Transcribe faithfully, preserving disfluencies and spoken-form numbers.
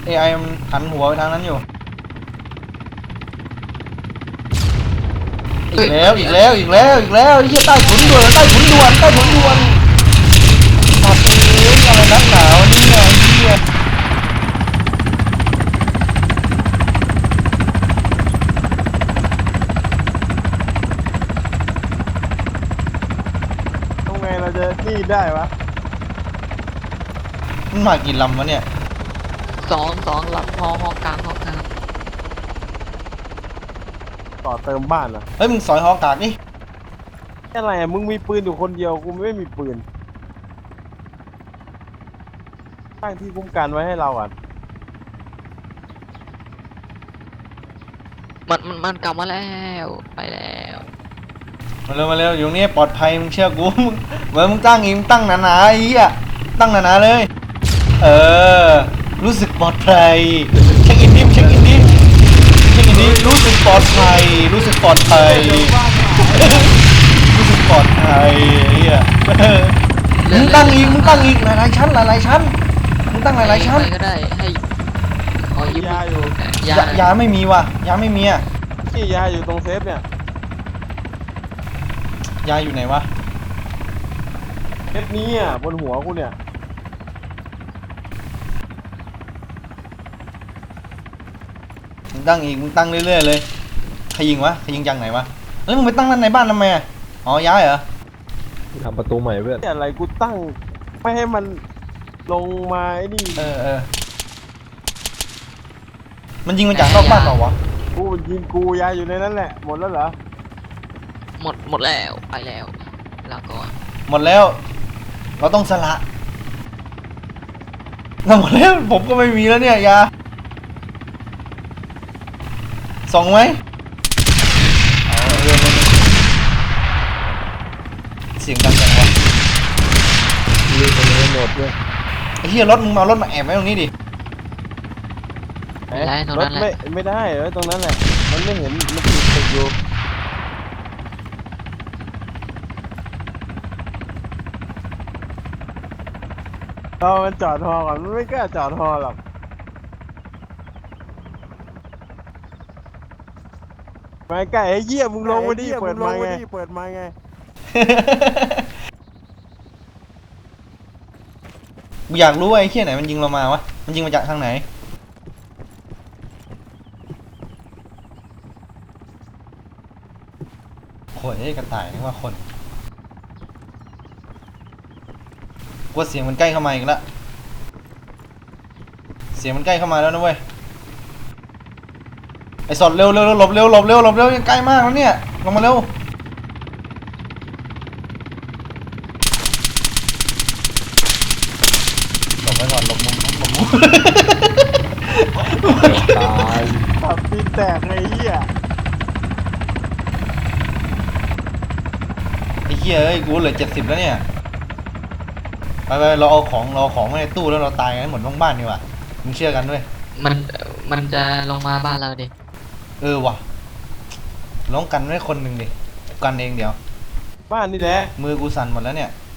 เอไอมันหันหัวไปทางนั้นอยู่อีกแล้วอีกแล้วอีกแล้วอีกแล้วเฮียใต้ถุนด่วนใต้ถุนด่วนใต้ถุนด่วนตัดเองอะไรนักหนาวนี่ไงเฮียทำไงเราจะนี่ได้วะมันมากี่ลำวะเนี่ยสองสองหลับฮอฮอกลางฮอกลางต่อเติมบ้านเหรอเฮ้ยมึงสอยหอกากนี่อะไรอะมึงมีปืนอยู่คนเดียวกูไม่มีปืนตั้งที่คุ้มกันไว้ให้เราอ่ะมันมันมันกลับมาแล้วไปแล้วมาเร็วมาเร็วอยู่ตรงนี้ปลอดภัยมึงเชื่อกูมึงเหมือนมึงตั้งอีกมึงตั้งหนาๆไอ้เหี้ยตั้งหนาๆเลยเออรู้สึกปลอดภัยเช็คอินดิเช็คอินดิเช็คอินดิรู้สึกปลอดภัยรู้สึกปลอดภัยรู้สึกปลอดภัยไอ้เหี้ยมึงตั้งอีกมึงตั้งอีกหลายๆชั้นหลายๆชั้นมึงตั้งหลายๆชั้นใครก็ได้ให้ขอยืมยาอยู่ยายายาไม่มีว่ะยาไม่มีอ่ะที่ยาอยู่ตรงเซฟเนี่ยยาอยู่ไหนวะเซฟนี้อ่ะบนหัวกูเนี่ยมึงตั้งอีกมึงตั้งเรื่อยๆเลยใครยิงวะใครยิงจังไหนวะเฮ้ยมึงไปตั้งนั่นในบ้านทำไมอ่ะอ๋อย้ายเหรอทำประตูใหม่เพื่อนอะไรกูตั้งไม่ให้มันลงมาไอ้นี่เออเออมันยิงมาจากนอกบ้านเปล่าวะกูยิงกูยาอยู่ในนั้นแหละหมดแล้วเหรอหมดหมดแล้วไปแล้วลาก่อนหมดแล้วเราต้องสละเราหมดแล้วผมก็ไม่มีแล้วเนี่ยยาส่องไหมเอาเรื่องมันเสียงดังจังวะยืนตรงนี้หมดด้วยไอ้เหี้ยรถมึงมาเอารถมาแอบไว้ตรงนี้ดิไม่ได้ตรงรนั้ถนแหละไม่ไม่ได้เออตรงนั้นแหละมันไม่เห็นมันติดติดอยู่เรามันจอดฮอก่อนมันไม่กล้าจอดฮอหรอกไปใกล้ไอ้เหี้ยมึงลงมาดิเปิดมาไงเปิดมาไงกูอยากรู้ว่าไอ้เหี้ยไหนมันยิงเรามาวะมันยิงมาจากทางไหนโอ้ยกระต่ายนึกว่าคนกลัวเสียงมันใกล้เข้ามาอีกแล้วเสียงมันใกล้เข้ามาแล้วนะเว้ยไอ้สดเร็วเร็วหลบเร็วหลบเร็วหลบเร็วยังใกล้มากแล้วเนี่ยลงมาเร็วหลบไว้ก่อนหลบมุมหลบมุมตายตับตีนแตกไอ้เหี้ยไอ้เหี้ยเอ้ยกูเหลือเจ็ดสิบแล้วเนี่ยไปไปเราเอาของเราเอาของไว้ในตู้แล้วเราตายกันหมดทั้งบ้านดีกว่ามึงเชื่อกันด้วยมันมันจะลงมาบ้านเราดิเออว่ะร้องกันไว้คนหนึ่งดิกูกันเองเดี๋ยวบ้านนี่แหละมือกูสั่นหมดแล้วเนี่ย